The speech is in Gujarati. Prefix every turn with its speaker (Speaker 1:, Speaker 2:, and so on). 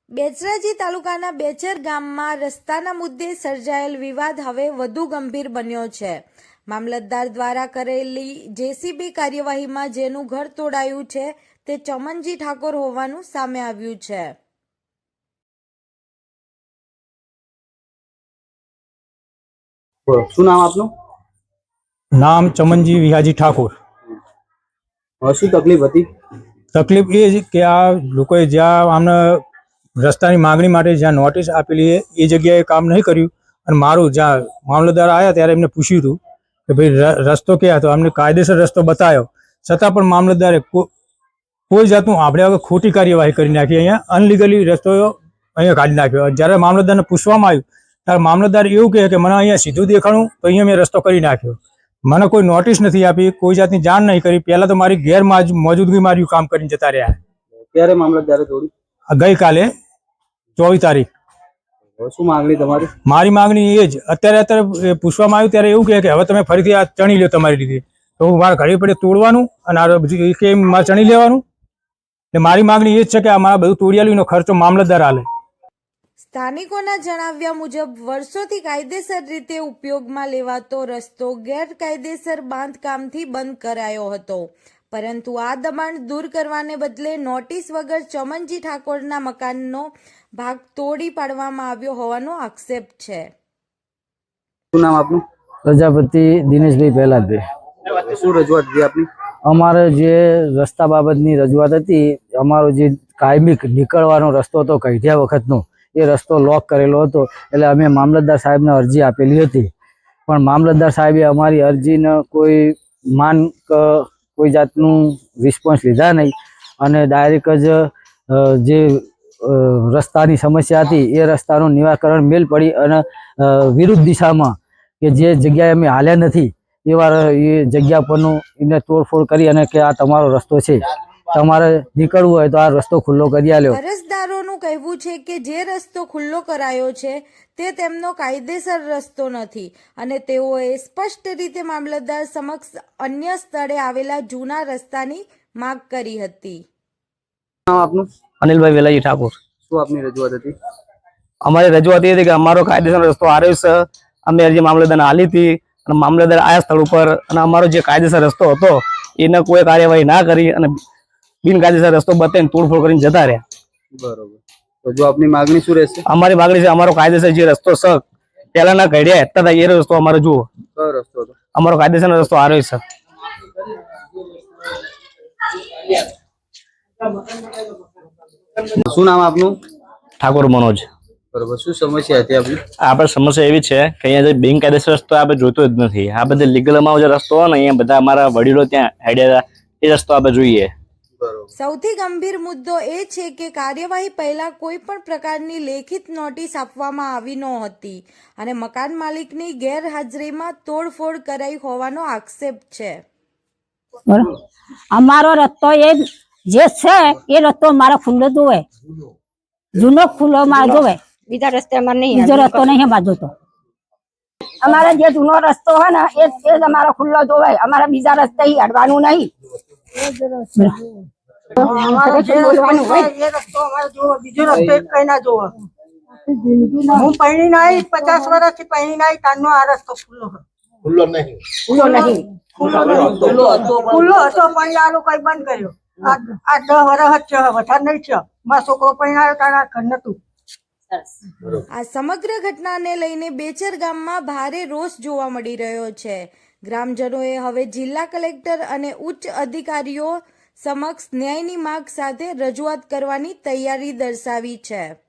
Speaker 1: બેચરાજી તાલુકાના બેચર ગામમાં રસ્તાના મુદ્દે સર્જાયેલ વિવાદ હવે વધુ ગંભીર બન્યો છે। મામલતદાર દ્વારા કરેલી જેસીબી કાર્યવાહીમાં જેનું ઘર તોડાયું છે તે ચમનજી ઠાકોર હોવાનું સામે આવ્યું છે।
Speaker 2: શું નામ આપનું?
Speaker 3: नाम चमनजी विहाजी ठाकुर।
Speaker 2: શું તકલીફ હતી?
Speaker 3: તકલીફ એ છે કે આ લોકોએ જ્યાં આમને રસ્તાની માંગણી માટે જ્યાં નોટિસ આપેલી એ જગ્યાએ કામ નહીં કર્યું અને મારું જ્યાં મામલતદાર આવ્યા ત્યારે એમને પૂછ્યું હતું કે ભાઈ રસ્તો ક્યાં હતો, અમને કાયદેસર રસ્તો બતાવ્યો છતાં પણ મામલતદારે કોઈ જાતનું આપણે હવે ખોટી કાર્યવાહી કરી નાખી, અહીંયા અનલીગલી રસ્તો અહીંયા કાઢી નાખ્યો। જ્યારે મામલતદારને પૂછવામાં આવ્યું ત્યારે મામલતદાર એવું કહે કે મને અહીંયા સીધું દેખાણું તો અહીંયા મેં રસ્તો કરી નાખ્યો, મને કોઈ નોટિસ નથી આપી, કોઈ જાતની જાણ નહીં કરી। પહેલા તો મારી ગેરમોજૂદગી માર્યું કામ કરીને જતા રહ્યા।
Speaker 2: ક્યારે મામલતદારે તોડી?
Speaker 3: ગઈકાલે 24 તારીખ।
Speaker 2: શું માંગણી તમારી?
Speaker 3: મારી માંગણી એ જ અત્યારે પૂછવામાં આવ્યું ત્યારે એવું કહે કે હવે તમે ફરીથી આ ચણી લો તમારી રીતે, તો હું મારા ઘરે પડે તોડવાનું અને આ બધું કે મારે ચણી લેવાનું। એટલે મારી માંગણી એ જ છે કે આ મારા બધું તોડિયાલીનો ખર્ચો મામલતદાર આલે।
Speaker 1: સ્થાનિકોના જણાવ્યા મુજબ વર્ષોથી કાયદેસર રીતે ઉપયોગમાં લેવાતો રસ્તો ગેરકાયદેસર બાંધકામથી બંધ કરાયો હતો, પરંતુ આ દબાણ દૂર કરવાને બદલે નોટિસ વગર ચમનજી ઠાકોરના મકાનનો ભાગ તોડી પાડવામાં આવ્યો હોવાનો આક્ષેપ છે।
Speaker 2: શું નામ આપનું?
Speaker 4: પ્રજાપતિ દિનેશભાઈ પહેલાદભાઈ।
Speaker 2: શું રજૂઆત હતી આપની?
Speaker 4: અમારે જે રસ્તા બાબતની રજૂઆત હતી, અમારો જે કાયમી નીકળવાનો રસ્તો હતો કઢિયા વખતનો, એ રસ્તો લોક કરેલો હતો, એટલે અમે મામલતદાર સાહેબને અરજી આપેલી હતી, પણ મામલતદાર સાહેબે અમારી અરજીને કોઈ જાતનું રિસ્પોન્સ લીધા નહીં અને ડાયરેક્ટ જ જે રસ્તાની સમસ્યા હતી એ રસ્તાનું નિરાકરણ મેલ પડી અને વિરુદ્ધ દિશામાં કે જે જગ્યાએ અમે હાલ્યા નથી એવા એ જગ્યા પરનું એને તોડફોડ કરી અને કે આ તમારો રસ્તો છે, તમારે નીકળવું હોય તો આ રસ્તો ખુલ્લો કરી આલ્યો।
Speaker 1: અરજદારોનું કહેવું છે કે જે રસ્તો ખુલ્લો કરાયો છે તે તેમનો કાયદેસર રસ્તો નથી અને તેઓએ સ્પષ્ટ રીતે મામલતદાર સમક્ષ અન્ય સ્થળે આવેલા જૂના રસ્તાની માંગ કરી હતી।
Speaker 2: નામ આપનું?
Speaker 4: અનિલભાઈ વેલાજી ઠાકોર।
Speaker 2: શું આપની રજૂઆત હતી?
Speaker 4: અમારી રજૂઆત એ હતી કે અમારો કાયદેસર રસ્તો આવ્યો છે, અમે અરજી મામલતદારને આલી હતી અને મામલતદાર આયા સ્થળ ઉપર અને અમારો જે કાયદેસર રસ્તો હતો એને કોઈ કાર્યવાહી ના કરી અને બિનકાયદેસર રસ્તો બતાવીને તોડફોડ કરીને જતા રહ્યા।
Speaker 2: બરોબર, તો જો આપની માંગણી શું રહેશે?
Speaker 4: અમારી માંગણી છે અમારો કાયદેસર જે રસ્તો છે પહેલાના ઘડિયા હતા એ રસ્તો અમારો જુઓ।
Speaker 2: કયો રસ્તો હતો?
Speaker 4: અમારો કાયદેસર રસ્તો આવ્યો છે।
Speaker 2: શું નામ આપનું?
Speaker 4: ઠાકોર મનોજ।
Speaker 2: બરોબર, શું સમસ્યા હતી આપની?
Speaker 4: આપણે સમસ્યા એવી છે કે અહીંયા જે બિનકાયદેસર રસ્તો આપણે જોતો જ નથી, આ બધે લીગલમાં જે રસ્તો હોય ને અહીંયા બધા અમારા વડીલો ત્યાં હેડ્યા એ રસ્તો આપણે જોઈએ।
Speaker 1: સૌથી ગંભીર મુદ્દો એ છે કે કાર્યવાહી પહેલા કોઈ પણ પ્રકારની લેખિત નોટિસ આપવામાં આવી નહોતી અને મકાન માલિકની ગેરહાજરીમાં તોડફોડ કરાઈ હોવાનો આક્ષેપ છે।
Speaker 5: અમારો રસ્તો એ જે છે એ રસ્તો મારો ખુલ્લો જોવે, જૂનો ખુલ્લો માં જોવે, બીજા રસ્તે અમારે નહીં, બીજો રસ્તો નહીં અમારે જોતો। અમારે જે જૂનો રસ્તો હોય ને એ જ અમારો ખુલ્લો જોવે, અમારે બીજા રસ્તે અડવાનું નહીં।
Speaker 6: હું પૈણી નાઈ 50 વર્ષથી પૈણી નાઈ તારનો આ રસ્તો ખુલ્લો નહીં, ખુલ્લો હતો પણ આ લોકો બંધ કર્યો। આ 10 વર્ષ જ છે, વધારે નહીં છે। મારો છોકરો પૈણાયો તારા ઘર નતું।
Speaker 1: આ સમગ્ર ઘટનાને લઈને બેચર ગામમાં ભારે રોષ જોવા મળી રહ્યો છે। ગ્રામજનોએ હવે જિલ્લા કલેક્ટર અને ઉચ્ચ અધિકારીઓ સમક્ષ ન્યાયની માંગ સાથે રજૂઆત કરવાની તૈયારી દર્શાવી છે।